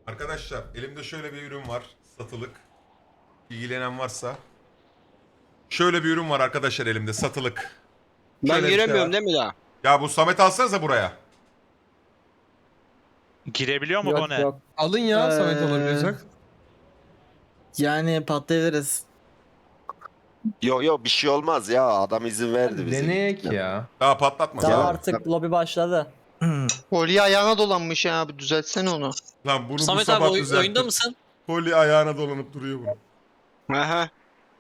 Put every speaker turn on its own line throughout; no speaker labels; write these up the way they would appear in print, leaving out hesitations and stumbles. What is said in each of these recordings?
Arkadaşlar elimde şöyle bir ürün var. Satılık. İlgilenen varsa. Şöyle bir ürün var arkadaşlar elimde satılık.
Ben
Şöyle bir şey var.
giremiyorum değil mi daha?
Ya bu Samet alsanıza buraya.
Girebiliyor mu bu
Yok
ne?
yok.
Alın ya Samet
Ee,
alabiliyorsak.
Yani patlayabiliriz.
Yok bir şey olmaz ya. Adam izin verdi
Hadi
bize.
deneyek ya.
Daha patlatma.
Tamam
Ya.
artık lobi başladı.
Kolye ayağına dolanmış ya abi, düzeltsene onu.
Lan bunu bu
Samet abi
sabah
oyunda
düzelttim.
mısın?
Koli ayağına dolanıp duruyor bunu.
Aha.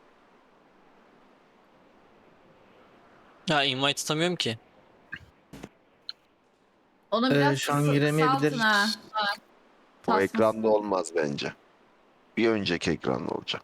Ya invite tutamıyorum ki.
Onu biraz
Şu an giremeyebiliriz.
kısaltın ha.
O
Tasmasın.
ekranda olmaz bence. Bir önceki ekranda olacak.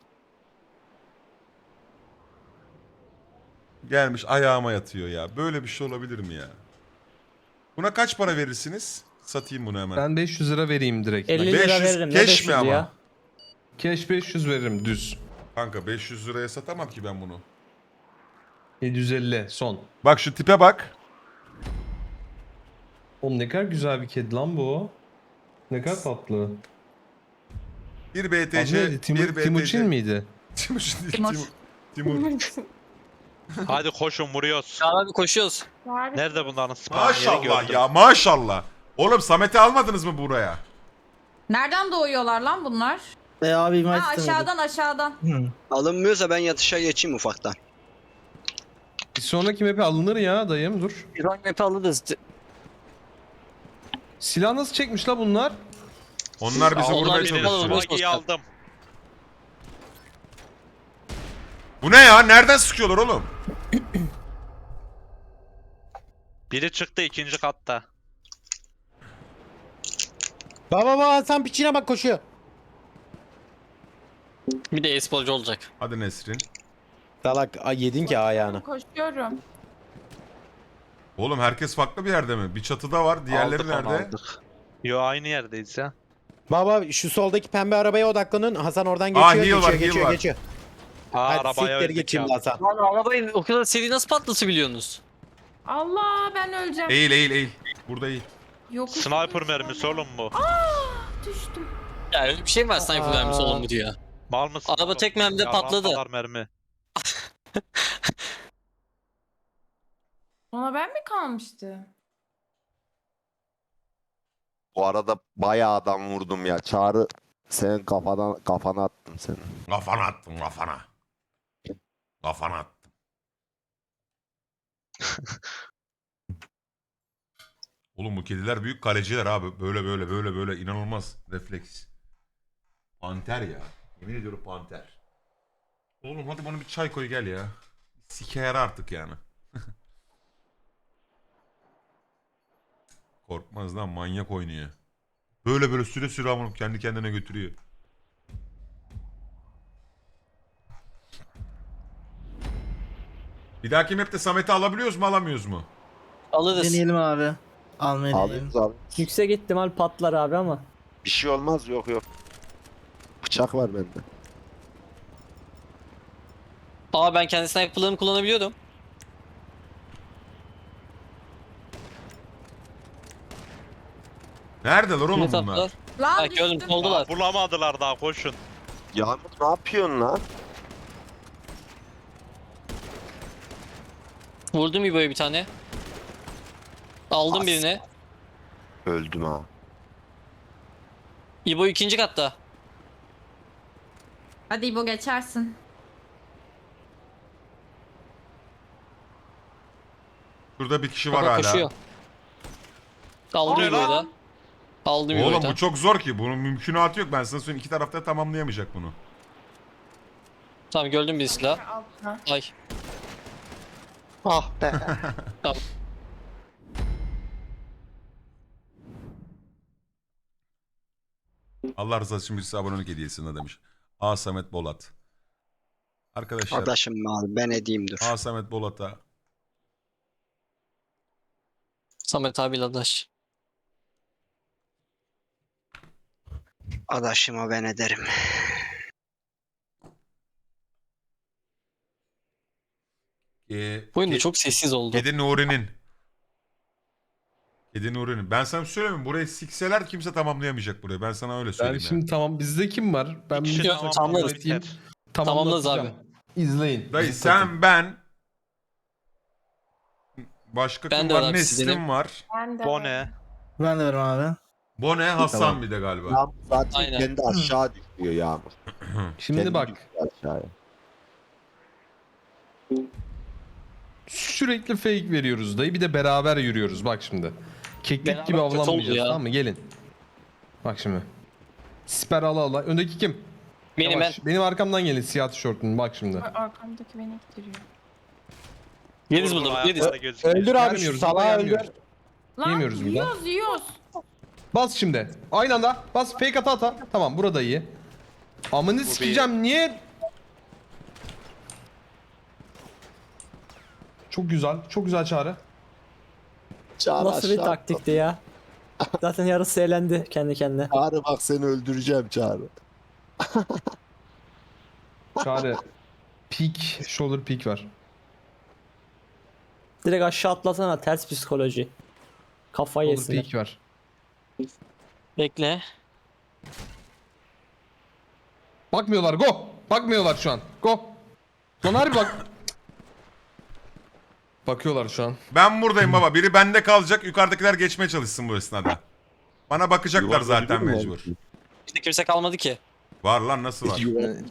Gelmiş ayağıma yatıyor ya. Böyle bir şey olabilir mi ya? Buna kaç para verirsiniz? Satayım bunu hemen.
Ben 500 lira vereyim direkt.
50 lira
500
veririm. Ne
keş
500
mi ama?
ya?
Cash 500 veririm düz.
Kanka 500 liraya satamam ki ben bunu.
750 son.
Bak şu tipe bak.
Oğlum ne kadar güzel bir kedi lan bu. Ne kadar tatlı.
Bir
Adı
BTC,
neydi?
bir BTC.
Timuçin miydi?
Timuçin değil,
Timur.
Timur.
Hadi koşun vuruyoruz.
Ya abi koşuyoruz.
Nerede bunların spawn yeri
Maşallah
gördüm.
ya maşallah. Oğlum Samet'i almadınız mı buraya?
Nereden doğuyorlar lan bunlar?
Abi invite
Ha, aşağıdan aşağıdan.
Alınmıyorsa ben yatışa geçeyim ufaktan.
Bir sonraki map'e alınır ya dayım dur.
Bir rank map'i alırız.
Silah nasıl çekmiş la bunlar?
Onlar bizi
Aa, onlar
vurmaya
bizi
çalışıyor.
alır.
Swagi'yi aldım.
Bu ne ya? Nereden sıkıyorlar oğlum?
Biri çıktı ikinci katta.
Baba Hasan piçine bak, koşuyor.
Bir de e-sporcu olacak.
Hadi Nesrin.
Salak yedin ki ayağını.
Koşuyorum.
Oğlum herkes farklı bir yerde mi? Bir çatıda var. Diğerleri
Aldık onu,
nerede?
aldık. Yo aynı yerdeyiz ya.
Baba şu soldaki pembe arabaya odaklanın. Hasan oradan
Aa,
geçiyor,
heal var,
geçiyor,
heal var.
geçiyor.
Aa,
Hadi
arabaya
siktir
öldük
git şimdi
ya.
Hasan.
Lan arabayı o kadar seri nasıl patlatabiliyorsunuz?
Allah, ben öleceğim.
Eğil eğil eğil. Burada eğil.
Yokuş.
Sniper mermisi oğlum bu.
Düştüm.
Ya öyle bir şey mi var sniper vermiş oğlum bu diyor.
Mal mısın?
Araba
oğlum?
tek mermide
Yalan
patladı.
kadar mermi.
Ona ben mi kalmıştı?
Bu arada bayağı adam vurdum ya. Çağrı senin kafana attım seni.
Kafana attım kafana. Kafana attım. Oğlum bu kediler büyük kaleciler abi. Böyle böyle böyle böyle inanılmaz refleks. Panter ya. Yemin ediyorum panter. Oğlum hadi bana bir çay koy gel ya. Sike yara artık yani. Korkmaz lan manyak oynuyor. Böyle böyle süre süre amına kendi kendine götürüyor. Bir dahaki map'te Samet'i alabiliyoruz mu alamıyoruz mu?
Alırız.
Deneyelim abi. Almayı deneyelim.
Alıyoruz abi.
Yüksek ihtimal patlar abi ama.
Bir şey olmaz, yok. Bıçak var bende.
Aa ben kendi sniper'larımı kullanabiliyordum.
Neredeler oğlum
Yine
bunlar?
tatlılar.
Lan
Ha gördüm
düştüm.
soldular.
Aa, bulamadılar daha koşun.
Yağmur ne yapıyorsun lan?
Vurdum İbo'ya bir tane. Aldım
As.
birini.
Öldüm ha.
İbo ikinci katta.
Hadi İbo, geçersin.
Şurada bir kişi var
Baba
hala.
koşuyor. Aldım
Aa,
İbo'yu da. Aldım İbo'yu
Oğlum
da.
bu çok zor ki. Bunun mümkünatı yok. Ben sana söyleyeyim. İki tarafta tamamlayamayacak bunu.
Tamam gördüm bir silah.
Altına.
Ay.
Ah be.
Allah rızası için birisi abonelik hediyesine demiş. A. Samet Bolat. Arkadaşlar
Adaşım abi ben edeyim dur.
A. Samet Bolat'a
Samet abiyle adaş.
Adaşıma ben ederim.
Bu oyunda çok sessiz oldu.
Kedi Nuri'nin Kedi Nuri'nin. Ben sana bir şey söyleyeyim mi? Burayı sikseler kimse tamamlayamayacak burayı. Ben sana öyle
Ben
söyleyeyim
şimdi tamam bizde kim var? Ben
İkisi
bir
tamamladı,
tamamlarız.
biter.
Tamamlarız
tamamlatacağım. İzleyin.
Dayı
Bizim
sen ben başka
Ben
kim
de
var?
var,
Neslim
sizdenim.
var.
Ben de.
Bone.
Ben de varım abi.
Bone Hasan
Tamam.
bir de galiba.
Yağmur zaten
Aynen.
kendi aşağı düşüyor Yağmur.
Şimdi
Kendi
bak
düşüyor aşağıya.
sürekli fake veriyoruz dayı bir de beraber yürüyoruz bak şimdi. Keklik
Beraber
gibi
kötü oldu
avlanmayacağız
ya.
tamam mı gelin. Bak şimdi. Siper ala ala. Öndeki kim?
Benim
Yavaş. Benim arkamdan gelin siyah tişörtün bak şimdi.
Arkamdaki beni ittiriyor.
Yeriz
Vur, vur,
burada.
ayakları
Yeriz.
gözüküyor.
Öldür abi şu
Gelmiyoruz,
salağı öldür.
gelmiyoruz.
Lan
Yemiyoruz buradan.
yiyoruz yiyoruz.
Bas şimdi. Aynı anda. Bas fake ata. Tamam burada iyi. Amını sikeceğim niye? Çok güzel. Çok güzel çağrı.
Çağrı
Nasıl bir
aşağı
taktikti ya? Zaten yarısı eğlendi kendi kendine.
Çağrı bak seni öldüreceğim Çağrı.
Çağrı. Peak. Shoulder peak var.
Direkt aşağı atlasana, ters psikoloji. Kafayı
Shoulder
yesinler.
peak var.
Bekle.
Bakmıyorlar go. Bakmıyorlar şu an. Go. Lan harbi bak. Bakıyorlar şu an.
Ben buradayım baba. Biri bende kalacak. Yukarıdakiler geçmeye çalışsın bu esnada. Bana bakacaklar
Yuvarlanıyor
zaten
mu
mecbur.
abi?
İşte kimse kalmadı ki.
Var lan nasıl var?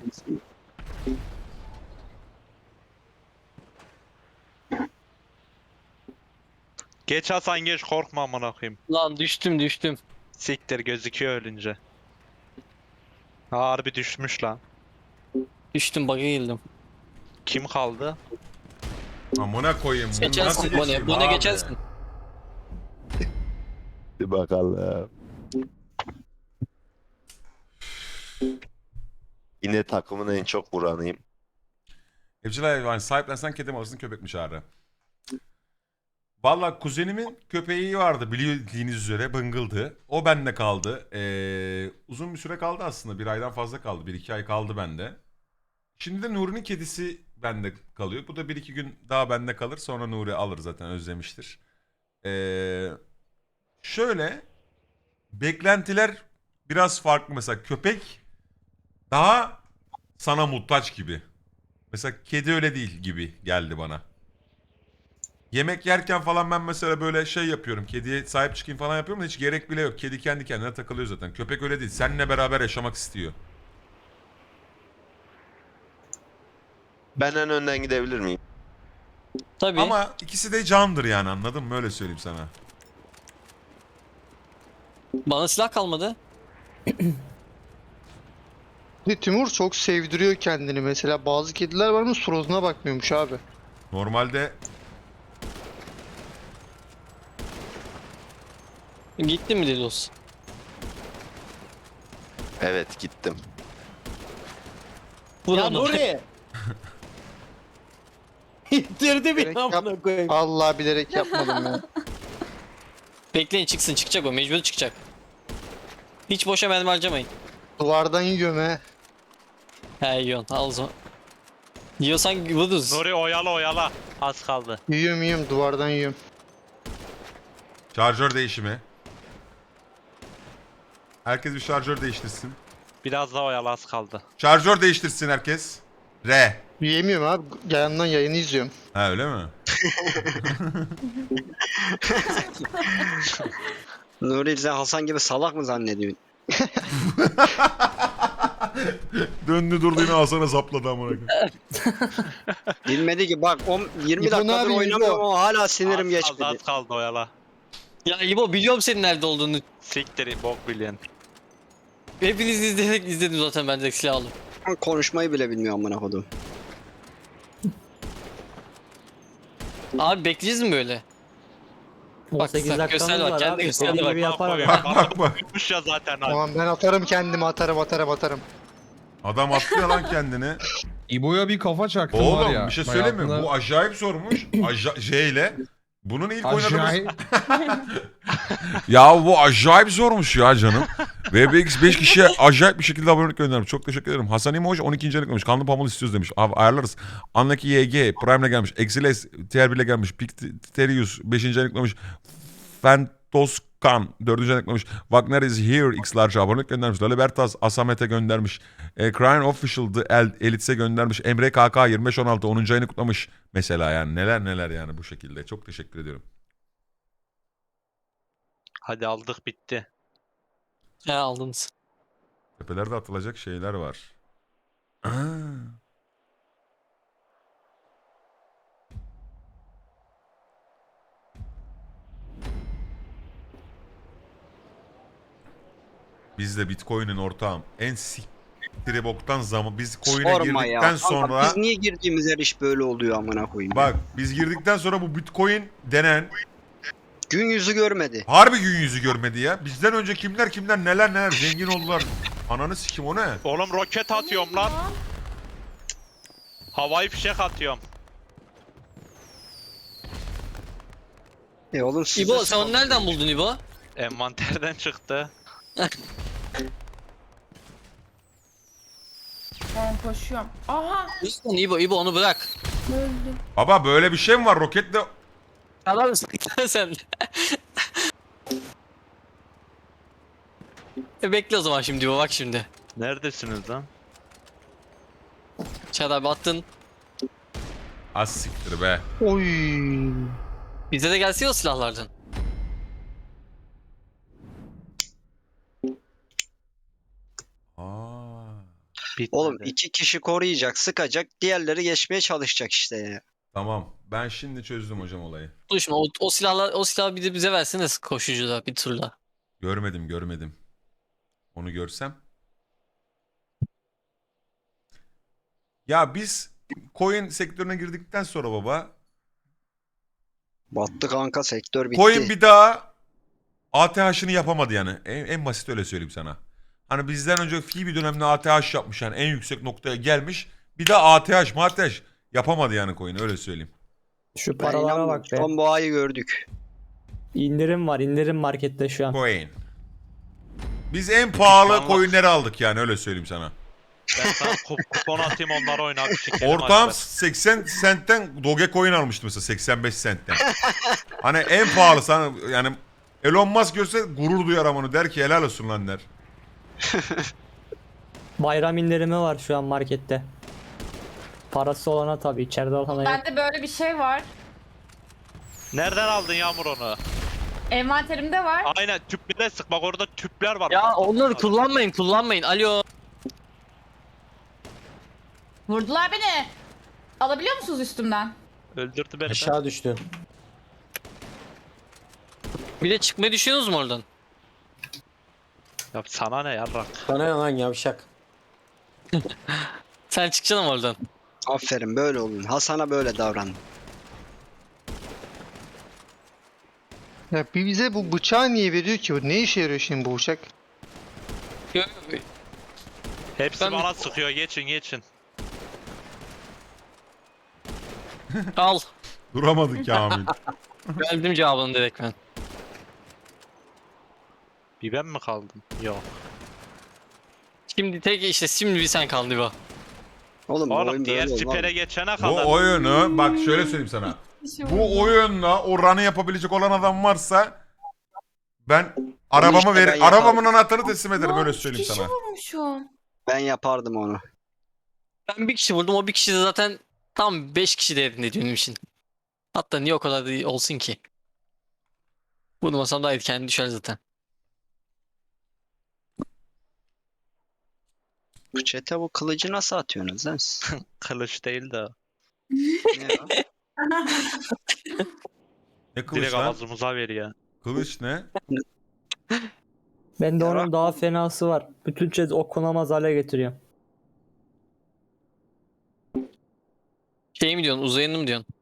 Geç Hasan geç korkma amına koyayım.
Lan düştüm.
Siktir gözüküyor ölünce. Harbi düşmüş lan.
Düştüm bug'a girdim.
Kim kaldı?
Amına koyayım. Bunu nasıl
Geçersin
geçeyim
Bone. Bone
abi?
geçersin.
Bir bakalım. Yine takımın en çok vuranıyım.
Evcil hayvan sahiplensen kedi mi alırsın köpek mi Çağrı? Valla kuzenimin köpeği vardı bildiğiniz üzere bıngıldı. O bende kaldı. Uzun bir süre kaldı aslında. Bir aydan fazla kaldı. 1-2 ay kaldı bende. Şimdi de Nuri'nin kedisi bende kalıyor. Bu da 1-2 gün daha bende kalır. Sonra Nuri alır zaten özlemiştir. Şöyle beklentiler biraz farklı. Mesela köpek daha sana muhtaç gibi. Mesela kedi öyle değil gibi geldi bana. Yemek yerken falan ben mesela böyle şey yapıyorum. Kediye sahip çıkayım falan yapıyorum da hiç gerek bile yok. Kedi kendi kendine takılıyor zaten. Köpek öyle değil. Seninle beraber yaşamak istiyor.
Ben en önden gidebilir miyim?
Tabii.
Ama ikisi de candır yani anladın mı? Öyle söyleyeyim sana.
Bana silah kalmadı.
Timur çok sevdiriyor kendini mesela. Bazı kediler var mı suratına bakmıyormuş abi.
Normalde
Gitti mi Dedos?
Evet gittim.
Vur
Ya
onu.
Nuri. İttirdi
Direkt
beni amına koyayım.
Allah bilerek yapmadım ya.
Bekleyin çıksın çıkacak o mecbur çıkacak. Hiç boşa mermi harcamayın.
Duvardan yiyorum he.
He yiyorsun al o zaman. Yiyorsan vururuz.
Nuri oyala. Az kaldı.
Yiyorum duvardan yiyorum.
şarjör değişimi. Herkes bir şarjör değiştirsin.
Biraz daha oyala az kaldı.
Şarjör değiştirsin herkes. R.
Yiyemiyorum abi. Yandan yayını izliyorum.
Ha öyle mi?
Nuri sen Hasan gibi salak mı zannediyorsun?
Döndü durdu yine Hasan'a zapladı amına koyayım.
Bilmedi ki bak 20
İbo ne
dakikadır
yapıyor,
oynamıyorum
İbo?
ama hala sinirim
Az
geçmedi.
kaldı az kaldı oyala.
Ya İbo biliyorum senin nerede olduğunu.
Siktir bok bilen.
Hepiniz izledim zaten ben direkt silah aldım.
Konuşmayı bile bilmiyor amına kodum.
Abi bekleyeceğiz mi böyle?
18
bak, göster
dakikamız
bak,
var
kendi
abi.
göster
Senin
bak,
gibi yapar
Bak,
adam.
Bak bak.
Bitmiş ya zaten abi.
Tamam ben atarım kendimi atarım.
Adam atlıyor lan kendini.
İbo'ya bir kafa çaktım var
Oğlum
ya.
bir şey söyleyeyim mi?
Hayatında-
Bu acayip sormuş. J ile. Bunun ilk oynadığımız...
Acayip.
Ya bu acayip zormuş ya canım. VBX 5 kişiye acayip bir şekilde abonelik göndermiş. Çok teşekkür ederim. Hasan İmoş 12. aylık demiş. Kanlı pamul istiyoruz demiş. Abi ayarlarız. Anlaki YG Prime'le gelmiş. Exiles TR1'le gelmiş. Picterius 5. aylık demiş. Toskan 4. eklemiş. Wagner is here X large abonelik göndermiş. Lalibertas Asamet'e göndermiş. Crying Official The Elites'e göndermiş. Emre KK 25-16 10. ayını kutlamış. Mesela yani neler yani bu şekilde. Çok teşekkür ediyorum.
Hadi aldık bitti.
Ya aldınız.
Tepelerde atılacak şeyler var. Aa. Biz de Bitcoin'in ortağım. En siktiri boktan zaman. Biz coin'e
Sorma ya.
girdikten
Kanka
sonra...
biz niye girdiğimiz her iş böyle oluyor amına koyayım.
Bak biz girdikten sonra bu Bitcoin denen
Gün yüzü görmedi.
harbi gün yüzü görmedi ya. Bizden önce kimler neler zengin oldular. Ananı sikim o ne?
Oğlum roket atıyorum lan. Havai fişek atıyorum.
Oğlum siz
İbo sen onu nereden buldun İbo?
Envanterden çıktı.
Ben koşuyorum. Aha
Lütfen İbo onu bırak.
öldüm.
Baba böyle bir şey mi var roketle?
Çalar mısın sen? Bekle o zaman şimdi İbo bak şimdi.
Neredesiniz lan?
Çağatay abi attın.
Az siktir be.
Oy.
Bize de gelsene o silahlardan.
Aa.
Bitmedi.
Oğlum 2 kişi koruyacak, sıkacak, diğerleri geçmeye çalışacak işte ya.
Tamam. Ben şimdi çözdüm hocam olayı.
Dur şimdi o silahı bir de bize versene koşucuda bir turla.
Görmedim. Onu görsem. Ya biz coin sektörüne girdikten sonra baba
Battı kanka, sektör bitti.
coin bir daha ATH'ını yapamadı yani. En basit öyle söyleyeyim sana. Hani bizden önce bir dönemde ATH yapmış yani en yüksek noktaya gelmiş. Bir daha ATH yapamadı yani coin öyle söyleyeyim.
Şu
Ben
paralara
inanmıyorum.
bak be.
Son boğayı gördük.
İndirim var. İndirim markette şu an.
Coin. Biz en pahalı
Pişmanlık.
coinleri aldık yani öyle söyleyeyim sana.
Ben sana kupon atayım onları oyna bir şekilde.
Ortağım 80 centten Dogecoin almıştı mesela 85 centten. Hani en pahalı sana yani Elon Musk görse gurur duyar ama onu der ki helal olsun lan der.
Bayram indirimi var şu an markette. Parası olana tabii. İçeride olana yok.
Bende böyle bir şey var.
Nereden aldın Yağmur onu?
Envanterimde var.
Aynen tüplüde sık bak orada tüpler var.
Ya onları kullanmayın. Alo.
Vurdular beni. Alabiliyor musunuz üstümden?
Öldürdü beni.
Aşağı düştü.
Bir de çıkmayı düşünüyorsunuz mu oradan?
Ya sana ne yarrak?
Bana ne lan yavşak.
Sen çıkacaksın ama oradan.
Aferin, böyle olun. Hasan'a böyle davran.
Ya bize bu bıçağı niye veriyor ki? Ne işe yarıyor şimdi bu bıçak?
Yok, yok.
Hepsi
Ben-
bana sıkıyor geçin.
Al.
Duramadık Kamil.
Verdim cevabını direkt ben.
Bir ben mi kaldım? Yok.
Şimdi bir sen kaldın İbo.
Oğlum bu
Oğlum
oyun
diğer
böyle
sipere
olmaz.
geçene kadar.
Bu oyunu bak şöyle söyleyeyim sana. Bu oyunla o run'ı yapabilecek olan adam varsa ben
işte ben yaparım.
arabamın anahtarını teslim ederim
Lan,
öyle
üç
söyleyeyim
kişi
sana.
vurmuşum.
Ben yapardım onu.
Ben bir kişi vurdum o bir kişi de zaten tam 5 kişi değerinde benim için. Hatta niye o kadar da olsun ki? Vurmasam daha iyi kendi düşer zaten.
Bu çete bu kılıcı nasıl atıyorsunuz lan siz?
Kılıç değil de.
Ne ya?
Ne kılıç
Direkt
lan?
ağzımıza veriyor.
Kılıç ne?
Bende
Yarak
onun daha fenası var. Bütün cez okunamaz hale getiriyor.
Şey mi diyorsun uzayını mı diyorsun?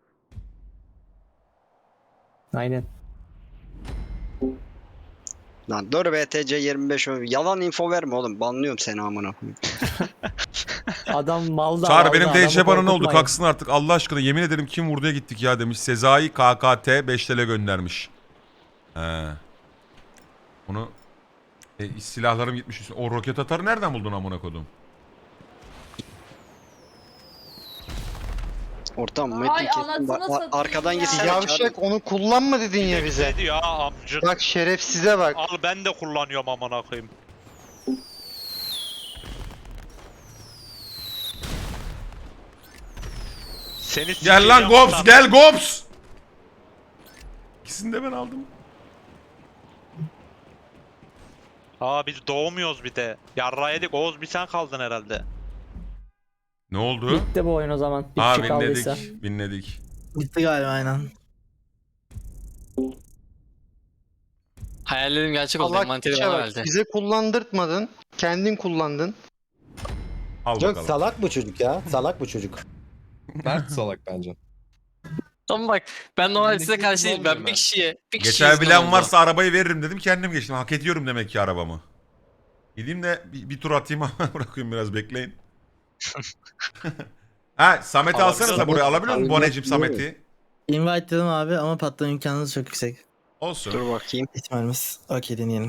Aynen.
Lan dur BTC 25 yalan info verme oğlum. Banlıyorum seni amına koyayım.
Adam malda.
Çağrı
malda,
benim
adamı
DC bana ne oldu?
korkutmayın.
Kalksın artık Allah aşkına yemin ederim kim vurduya gittik ya demiş. Sezai KKT 5 TL göndermiş. He. Onu silahlarım gitmiş. O roket atarı nereden buldun amına kodum?
Ortam
Ay,
Metin kesin
anasını satayım
arkadan
ya.
gitsene.
Yavşak onu kullanma dedin ya bize.
Ne diyor ya amcık?
Bak şerefsize bak.
Al ben de kullanıyorum amına koyayım. Seni
Gel lan
sikeceğim
Gops
lan.
gel Gops. İkisini de ben aldım.
Aa biz doğmuyoruz bir de. Yarra yedik. Oğuz bir sen kaldın herhalde.
Ne oldu?
Bitti bu oyun o zaman. Bir
Aa
kişi kaldıysa.
binledik. Binledik.
Bitti galiba aynen.
Hayallerim gerçek oldu.
Allah
Envanteri
kişe
bana
bak.
verdi.
Bize kullandırtmadın. Kendin kullandın.
Al
Yok
bakalım.
salak bu çocuk ya. Salak bu çocuk.
Mert salak bence.
Ama bak ben normalde size
Elindeki
karşı değilim. Ben
kullanmıyorum
bir
ben.
kişiye
Geçebilen varsa arabayı veririm dedim. Kendim geçtim. Hak ediyorum demek ki arabamı. Gideyim de bir tur atayım ama bırakayım biraz bekleyin. Ha Samet'i alsanıza buraya. Alabiliyor musun Boneciğim Samet'i?
Invite dedim abi ama patlama imkanınız çok yüksek.
Olsun.
Dur bakayım.
İhtimalimiz. Okey deneyelim.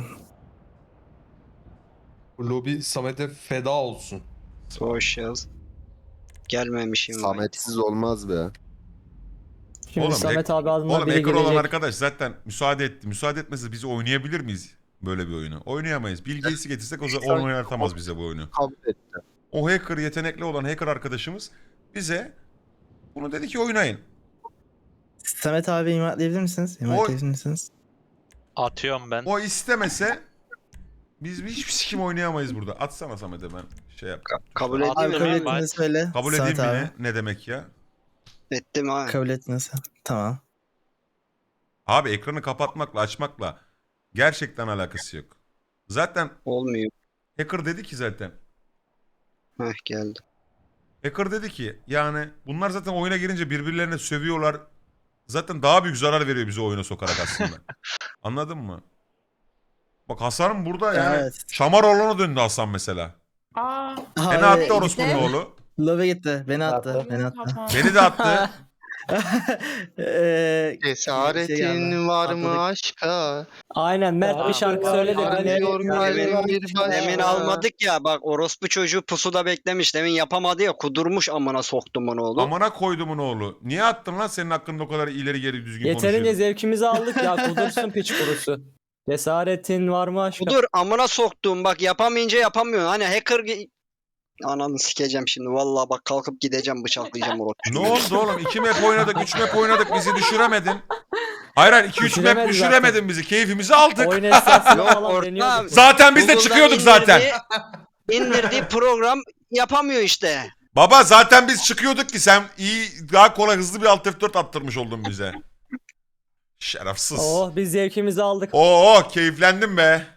Bu lobi Samet'e feda olsun.
Social. Gelmemişim.
Sametsiz olmaz be.
Şimdi Samet abi adına
Oğlum
biri
hacker olan
gelecek.
arkadaş zaten müsaade etti. Müsaade etmese biz oynayabilir miyiz böyle bir oyunu? Oynayamayız. Bill Gates'i getirsek o zaman oynatamaz bize bu oyunu.
Kabul etti.
O hacker, yetenekli olan hacker arkadaşımız bize bunu dedi ki oynayın.
Samet abi invite'leyebilir misiniz? Invite'leyebilir misiniz?
Atıyorum ben.
O istemese biz hiçbir sikim oynayamayız burada. Atsana Samet'e ben şey yap.
Kabul
Abi,
edeyim
Abi
mi?
kabul
ben-
ettiğini söyle.
Kabul
Samet
edeyim mi
abi.
ne demek ya?
Ettim ha.
Kabul ettiğini söyle. Tamam.
Abi ekranı kapatmakla açmakla gerçekten alakası yok. Zaten
Olmuyor.
hacker dedi ki zaten.
Heh geldi.
Hacker dedi ki yani bunlar zaten oyuna girince birbirlerine sövüyorlar. Zaten daha büyük zarar veriyor bize oyuna sokarak aslında. Anladın mı? Bak Hasan'ın burada yani
Evet.
Şamaroğlu'na döndü Hasan mesela.
Aa.
Beni attı orospunun oğlu.
Lobe gitti. Beni attı. Attı. Beni attı.
Tamam.
Beni de attı.
Cesaretin var mı
Atladık.
aşka?
Aynen Mert bir şarkı söyledi.
Arıyor kalbim bir başka.
Demin almadık ya bak orospu çocuğu pusuda beklemiş. Demin yapamadı ya kudurmuş amına soktum onu oğlum.
Amına koydumun oğlu. Niye attın lan senin hakkında o kadar ileri geri düzgün
Yeterince
konuşuyorsun?
zevkimizi aldık ya. Kudursun piç kurusu. Cesaretin var mı aşkım?
Kudur amına soktum bak yapamayınca yapamıyorsun. Hani hacker ananı sikeceğim şimdi vallahi bak kalkıp gideceğim bıçaklayacağım orospu.
Ne oldu oğlum? 2 map oynadık, 3 map oynadık. Bizi düşüremedin. Hayır hayır 2-3 map
Düşüremedi
düşüremedin bizi. Keyfimizi aldık.
Oyun esnasında
Yok,
falan
ortam.
deniyorduk.
Zaten biz de
Google'dan
çıkıyorduk zaten.
İndirdiği program yapamıyor işte.
Baba zaten biz çıkıyorduk ki sen iyi daha kolay hızlı bir Alt F4 attırmış oldun bize. Şerefsiz.
Oh biz zevkimizi aldık.
Oo keyiflendim be.